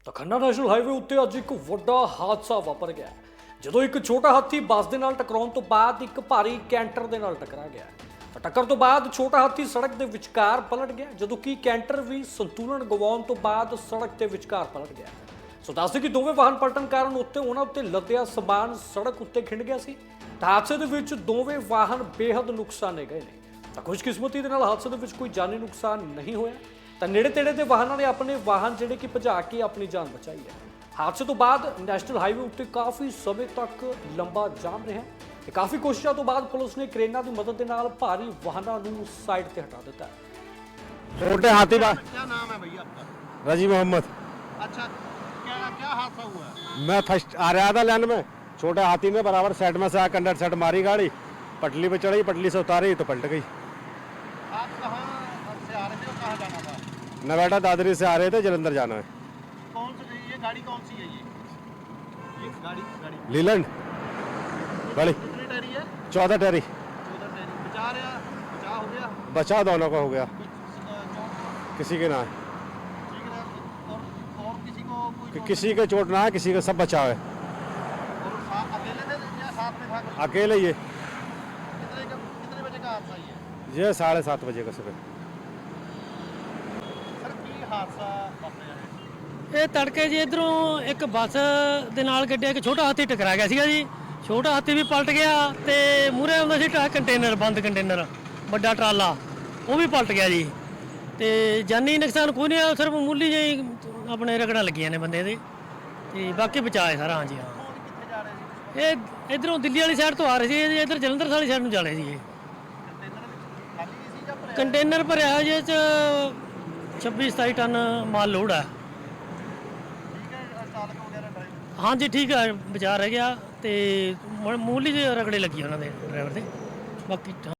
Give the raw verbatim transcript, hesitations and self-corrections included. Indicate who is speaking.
Speaker 1: ਤਾਂ Khanna national highway ਉੱਤੇ ਅੱਜ ਇੱਕ ਵੱਡਾ ਹਾਦਸਾ ਵਾਪਰ ਗਿਆ ਜਦੋਂ ਇੱਕ ਛੋਟਾ ਹਾਥੀ ਬੱਸ ਦੇ ਨਾਲ ਟਕਰਾਉਣ ਤੋਂ ਬਾਅਦ ਇੱਕ ਭਾਰੀ ਕੈਂਟਰ ਦੇ ਨਾਲ ਟਕਰਾ ਗਿਆ। ਤਾਂ ਟੱਕਰ ਤੋਂ ਬਾਅਦ ਛੋਟਾ ਹਾਥੀ ਸੜਕ ਦੇ ਵਿਚਕਾਰ ਪਲਟ ਗਿਆ ਜਦੋਂ ਕਿ ਕੈਂਟਰ ਵੀ ਸੰਤੁਲਨ ਗਵਾਉਣ ਤੋਂ ਬਾਅਦ ਸੜਕ ਦੇ ਵਿਚਕਾਰ ਪਲਟ ਗਿਆ। ਸੋ ਦੱਸਦੇ ਕਿ ਦੋਵੇਂ ਵਾਹਨ ਪਲਟਣ ਕਾਰਨ ਉੱਤੇ ਉਹਨਾਂ ਉੱਤੇ ਲੱਦਿਆ ਸਮਾਨ ਸੜਕ ਉੱਤੇ ਖਿੰਡ ਗਿਆ ਸੀ। ਤਾਂ ਹਾਦਸੇ ਦੇ ਵਿੱਚ ਦੋਵੇਂ ਵਾਹਨ ਬੇਹੱਦ ਨੁਕਸਾਨੇ ਗਏ ਨੇ। ਤਾਂ ਖੁਸ਼ਕਿਸਮਤੀ ਦੇ ਨਾਲ ਹਾਦਸੇ ਦੇ ਵਿੱਚ ਕੋਈ ਜਾਨੀ ਨੁਕਸਾਨ ਨਹੀਂ ਹੋਇਆ। ਤਾਂ ਨੇੜੇ ਤੇੜੇ ਦੇ ਵਾਹਨਾਂ ਨੇ ਆਪਣੇ ਵਾਹਨ ਜਿਹੜੇ ਕਿ ਭਜਾ ਕੇ ਆਪਣੀ ਜਾਨ ਬਚਾਈ ਹੈ। ਹਾਦਸੇ ਤੋਂ ਬਾਅਦ ਨੈਸ਼ਨਲ ਹਾਈਵੇ ਉੱਤੇ ਕਾਫੀ ਸਮੇਂ ਤੱਕ ਲੰਬਾ ਜਾਮ ਰਿਹਾ ਤੇ ਕਾਫੀ ਕੋਸ਼ਿਸ਼ਾਂ ਤੋਂ ਬਾਅਦ ਪੁਲਿਸ ਨੇ ਕ੍ਰੇਨਾਂ ਦੀ ਮਦਦ ਦੇ ਨਾਲ ਭਾਰੀ ਵਾਹਨਾਂ ਨੂੰ ਸਾਈਡ ਤੇ ਹਟਾ ਦਿੱਤਾ।
Speaker 2: छोटे हाथी बा
Speaker 3: क्या नाम है भैया आपका?
Speaker 2: रजी मोहम्मद।
Speaker 3: अच्छा, क्या क्या हादसा हुआ है?
Speaker 2: मैं फर्स्ट आ रहा था लाइन में, छोटे हाथी ने बराबर साइड में से आ कंडर सेट मारी गाड़ी, पटली पे चढ़ी, पटली से उतारी तो पलट गई।
Speaker 3: आप कहाँ से आ रहे थे और कहाँ जाना था?
Speaker 2: नवेटा दादरी से आ रहे थे, जलंधर जाना है।
Speaker 3: कौन सी ये गाड़ी कौन सी है ये? ये गाड़ी गाड़ी
Speaker 2: लीलैंड बड़ी
Speaker 3: कितनी टहरी है?
Speaker 2: चौदह टहरी।
Speaker 3: चौदह टहरी। बचा रहा बचा हो गया?
Speaker 2: बचा दोनों का हो गया,
Speaker 3: कुछ अ, चोट
Speaker 2: किसी के ना है,
Speaker 3: ठीक है और और किसी को कोई
Speaker 2: कि
Speaker 3: चोट?
Speaker 2: किसी के चोट ना है, किसी का सब बचाव है।
Speaker 3: और सा- अकेले थे या साथ में था कोई?
Speaker 2: अकेले ये
Speaker 3: कितने का कितने बजे का हादसा ये?
Speaker 2: ये साढ़े सात बजे का सुबह।
Speaker 3: सर की हादसा वापरिਆ है?
Speaker 4: ਇਹ ਤੜਕੇ ਜੀ ਇਧਰੋਂ ਇੱਕ ਬੱਸ ਦੇ ਨਾਲ ਗੱਡੀ ਇੱਕ ਛੋਟਾ ਹਾਥੀ ਟਕਰਾ ਗਿਆ ਸੀਗਾ ਜੀ। ਛੋਟਾ ਹਾਥੀ ਵੀ ਪਲਟ ਗਿਆ ਤੇ ਮੂਹਰੇ ਆਉਂਦਾ ਸੀ ਟਰੱਕ ਕੰਟੇਨਰ ਬੰਦ ਕੰਟੇਨਰ ਵੱਡਾ ਟਰਾਲਾ ਉਹ ਵੀ ਪਲਟ ਗਿਆ ਜੀ। ਤੇ ਜਾਨੀ ਨੁਕਸਾਨ ਕੋਈ ਨਹੀਂ ਆ, ਸਿਰਫ ਮਾਮੂਲੀ ਜਿਹੀ ਆਪਣੇ ਰਗੜਾਂ ਲੱਗੀਆਂ ਨੇ ਬੰਦੇ ਦੇ ਤੇ ਬਾਕੀ ਬਚਾਏ ਸਾਰਾ। ਹਾਂਜੀ ਹਾਂ,
Speaker 3: कौन कितने जा रहे थे?
Speaker 4: ਇਹ ਇਧਰੋਂ ਦਿੱਲੀ ਵਾਲੀ ਸਾਈਡ ਤੋਂ ਆ ਰਹੇ ਸੀ, ਇਧਰ ਜਲੰਧਰ ਵਾਲੀ ਸਾਈਡ ਨੂੰ ਜਾ ਰਹੇ ਸੀ। ਇਹ
Speaker 3: कंटेनर खाली इसी का भरिਆ?
Speaker 4: ਕੰਟੇਨਰ ਭਰਿਆ ਜੇ ਚ ਛੱਬੀ ਸਤਾਈ ਟਨ ਮਾਲ ਲੋਡ ਆ।
Speaker 3: ठीक है, चालक वगैरह ड्राइवर
Speaker 4: ਹਾਂਜੀ ਠੀਕ ਆ, ਬਚਾ ਰਹਿ ਗਿਆ ਤੇ ਮਾਮੂਲੀ ਜਿਹੇ ਰਗੜੇ ਲੱਗੀ ਉਹਨਾਂ ਦੇ ਡਰਾਈਵਰ ਦੇ ਬਾਕੀ